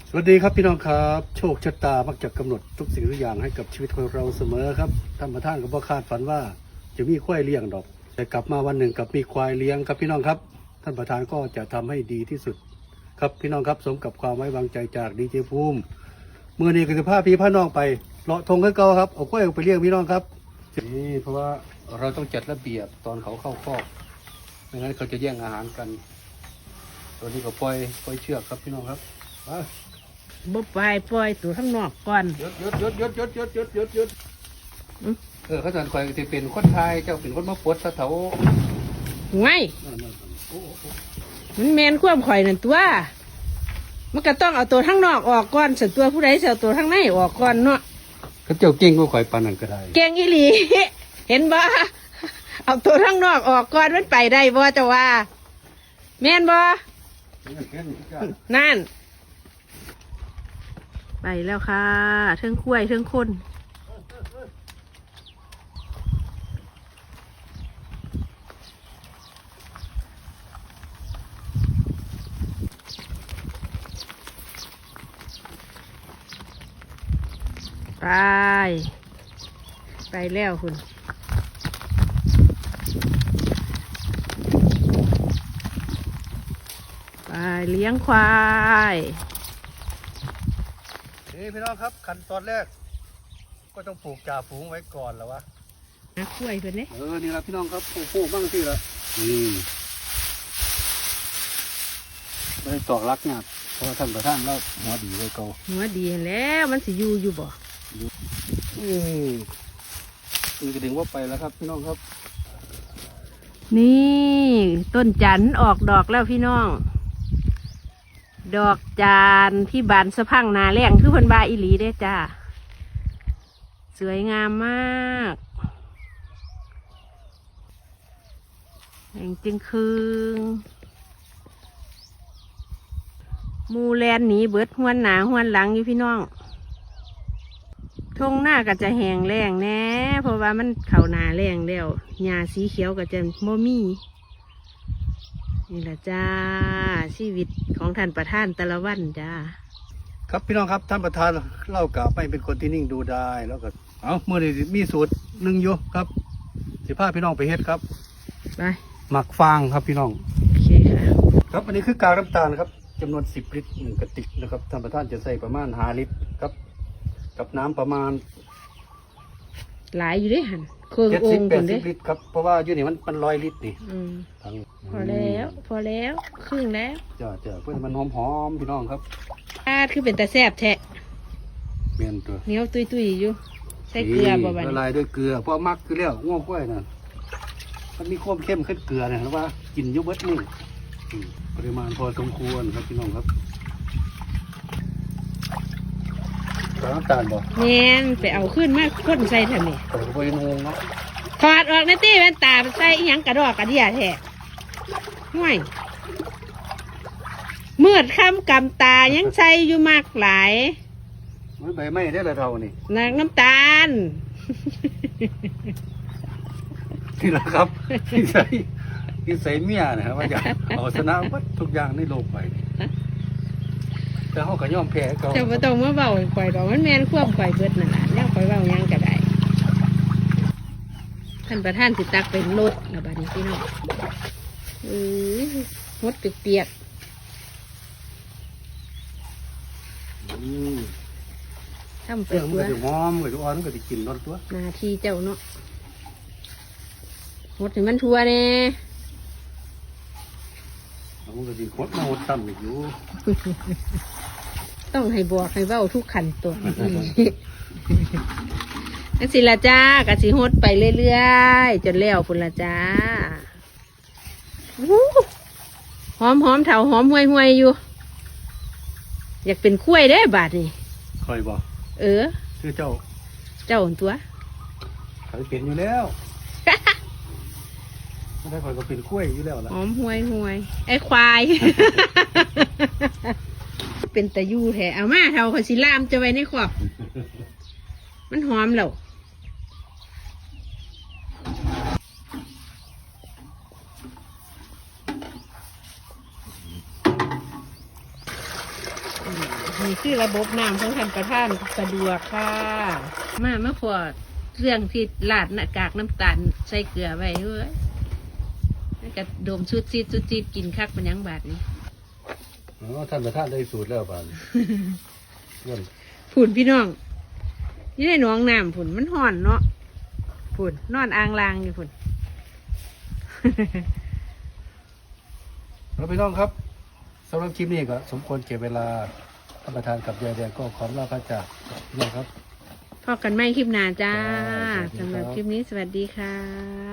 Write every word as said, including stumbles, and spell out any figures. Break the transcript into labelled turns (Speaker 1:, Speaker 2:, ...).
Speaker 1: สวัสดีครับพี่น้องครับโชคชะตามักจะกำหนดทุกสิ่งทุกอย่างให้กับชีวิตของเราเสมอครับท่านประธานก็บ่คาดฝันว่าจะมีควายเลี้ยงดอกแต่กลับมาวันหนึ่งกับมีควายเลี้ยงครับพี่น้องครับท่านประธานก็จะทำให้ดีที่สุดครับพี่น้องครับสมกับความไว้วางใจจากดีเจภูมิเมื่อนี้ก็จะพาพี่พาน้องไปเลาะทงให้เก่าครับเอาควายไปเลี้ยงพี่น้องครับนี่เพราะว่าเราต้องจัดระเบียบตอนเขาเข้าคอกไม่งั้นเขาจะแย่งอาหารกันตัวนี้ก็ปล่อยปล่อยเชือกครับพี่น้องครับ
Speaker 2: บ่ไปปล่อยตัวข้างนอกก่อน
Speaker 1: ยศยศยศยศยศยศยศยศยศเออเขาสันคอยจะเป็นคนไทยเจ้าเป็นคนมาปวดสะเถา
Speaker 2: ไงมันแมนความข่อยนั่นตัวมันก็ต้องเอาตัวข้างนอกออกก่อนส่วนตัวผู้ใดเอาตัวข้างในออกก่อนเนาะ
Speaker 1: เขาเจ้าเก่งก็คอยปานนั่นก็ได้
Speaker 2: เก่งอีหลีเห็นบ่เอาตัวข้างนอกออกก่อนมันไปได้บ่เจ้าว่าแม่นบ่นั่นไปแล้วค่ะเทิงคุ้ยเทิงคนไปไปแล้วคุณไปเลี้ยงควาย
Speaker 1: นี่พี่น้องครับขั้นตอนแรกก็ต้องปลูกจ่าฝูงไว้ก่อนแล้ววะ
Speaker 2: นะกล้วยเพื่อนเนี่ย
Speaker 1: เออนี่ละพี่น้องครับปลูกปลูกบ้างสิละนี่ไม่ได้ตอกรักงานเพราะท่านประธานเราหัวดีไว้เก่า
Speaker 2: หัวดีแล้วมันสิอยู่อยู่บ่
Speaker 1: อืมนี่ก็ดึงว่าไปแล้วครับพี่น้องครับ
Speaker 2: นี่ต้นจันออกดอกแล้วพี่น้องดอกจานที่บานสะพังนาแรงคือเพิ่นบาอีหลีเด้จ้าสวยงามมากแห่งจึงคืงมูแลนหนีเบิดหวนหนาหวนหลังอยู่พี่น้องทงหน้าก็จะแห้งแรงแน่เพราะว่ามันเข่าหนาแรงแล้วหญ้าสีเขียวก็จะโมมี่นี่แหละจ้าชีวิตของท่านประธานแต่ละวันจ้า
Speaker 1: ครับพี่น้องครับท่านประธานเล่ากล่าวไปเป็นคนที่นิ่งดูได้แล้วก็เอาเมื่อนี้มีสูตรหนึ่งอยู่ครับสิพาพี่น้องไปเฮ็ดครับ
Speaker 2: ไป
Speaker 1: หมักฟางครับพี่น้อง
Speaker 2: โอเคค่ะ
Speaker 1: ครับอันนี้คือกากน้ำตาลครับจำนวนสิบลิตรหนึ่งกระติกนะครับท่านประธานจะใส่ประมาณห้าลิตรครับกับน้ำประมาณ
Speaker 2: หลายอยู่ด้วยหันเครื่อง
Speaker 1: เจ็ด
Speaker 2: อ
Speaker 1: สิบ
Speaker 2: ง
Speaker 1: แป
Speaker 2: ค
Speaker 1: ด
Speaker 2: น
Speaker 1: สิ
Speaker 2: เด้
Speaker 1: บลิตรครับเพราะว่าอยู่นี่มันมันร้อยลิตรนี่
Speaker 2: อืม
Speaker 1: ทั้ง
Speaker 2: พอแล้วพอแล้วครึ่งแล้ว
Speaker 1: จ้าจ้าเพื่อมันหอมหอมๆพี่น้องครับ
Speaker 2: อาคือเป็นตาแซ่บแทะ
Speaker 1: เมียนตัว
Speaker 2: เหนียวตุยตุยอยู่ใส่เกลือบ่บัด
Speaker 1: ละ
Speaker 2: นี้
Speaker 1: ลายด้วยเกลือเพราะมักคือแล้วง่วงกล้วยน่ะมันมีความเข้มขึ้นเกลือเนี่ยนะว่ากินอยุบเบิดนี่อืมปริมาณพอสมควรครับพี่น้องครับน้ำตาลบ่
Speaker 2: แม่นไปเอาขึ้นมาข้นใส่ทำไม
Speaker 1: แต่ก็บ่งงเนาะ
Speaker 2: ถอดออกในตี้แว่นตาใส่อีหยังกระดอกกระเดียแท้ห่วยเมื่อค่ำกำตายังใส่อยู่มากหลาย
Speaker 1: มันใบไม้ได้ละเท่านี่
Speaker 2: นางน้ำตาล
Speaker 1: นี่แหละครับที่ใส่ที่ใส่เมียนะครับว่าอยากเอาชนะวัดทุกอย่างในโลกไปแต่เขาก็ย่อมแพ้เขา
Speaker 2: แต่ว่าต้องมาเบาข่อยดอกมันแมนควบข่อยเบิดนั่นแหละเนี่ยข่อยเบายังก็ได้ท่านประธานสิตักเป็นรถนะบัดนี้พี่น้องเออมดเปียกๆทำไป
Speaker 1: เรื่องมัน
Speaker 2: เพื่
Speaker 1: ก็
Speaker 2: อ
Speaker 1: จะหอมก็จะอ่อนก็จะกินรสตัว
Speaker 2: หน้าที่เจ้าเนาะมดให้มันทัวแน่
Speaker 1: มันก็จะคดมาหดซ้ำอีกอยู่
Speaker 2: ต้องให้บอกให้เบ้าทุกขันตัวนั่นสิละจ้ากะสิฮดไปเรื่อยๆจนแล้วพุ่นละจ้าหอมหอมเถาหอมห่วยห่วยอยู่อยากเป็นคุ้ยได้บาทนี่
Speaker 1: คอยบอก
Speaker 2: เออ
Speaker 1: คือเจ้า
Speaker 2: เจ้าตัว
Speaker 1: เขาเป็นอยู่แล้วไม่ได้คอยก็เป็นกล้วยอยู่แล้วล่ะ
Speaker 2: หอมห่วยห่วยไอ้ควาย เป็นตะยูแท้เอามาเถาขอยสิลามจะไว้ในขอบมันหอมแล้วนี่คือระบบน้ำของท่านประธานสะดวกค่ะ มาเมื่อพอเรื่องที่ลาดหน้ากากน้ำตาลใส่เกลือไว้ด้วยแล้วก็ดมชุดซีดชุดซีดกินคักเป็นหยังบาทนี่
Speaker 1: อ๋อท่านประธานได้สูตรแล้วป่านย้อน
Speaker 2: ผุ่นพี่น้องนี่ได้หน้องน้ำผุ่นมันห่อนเนาะผุ่นนอนอ่างลางอยู่ผุ่น
Speaker 1: แล้วพี่น้องครับสำหรับคลิปนี้ก็สมควรเก็บเวลาท่านประธานกับยายแดงก็ขอลาพระจากพี่น้องครับ
Speaker 2: พอกันไม่คลิปหน้าจ้า
Speaker 1: ครับสวัสดีครับ
Speaker 2: สำหรับคลิปนี้สวัสดีค่ะ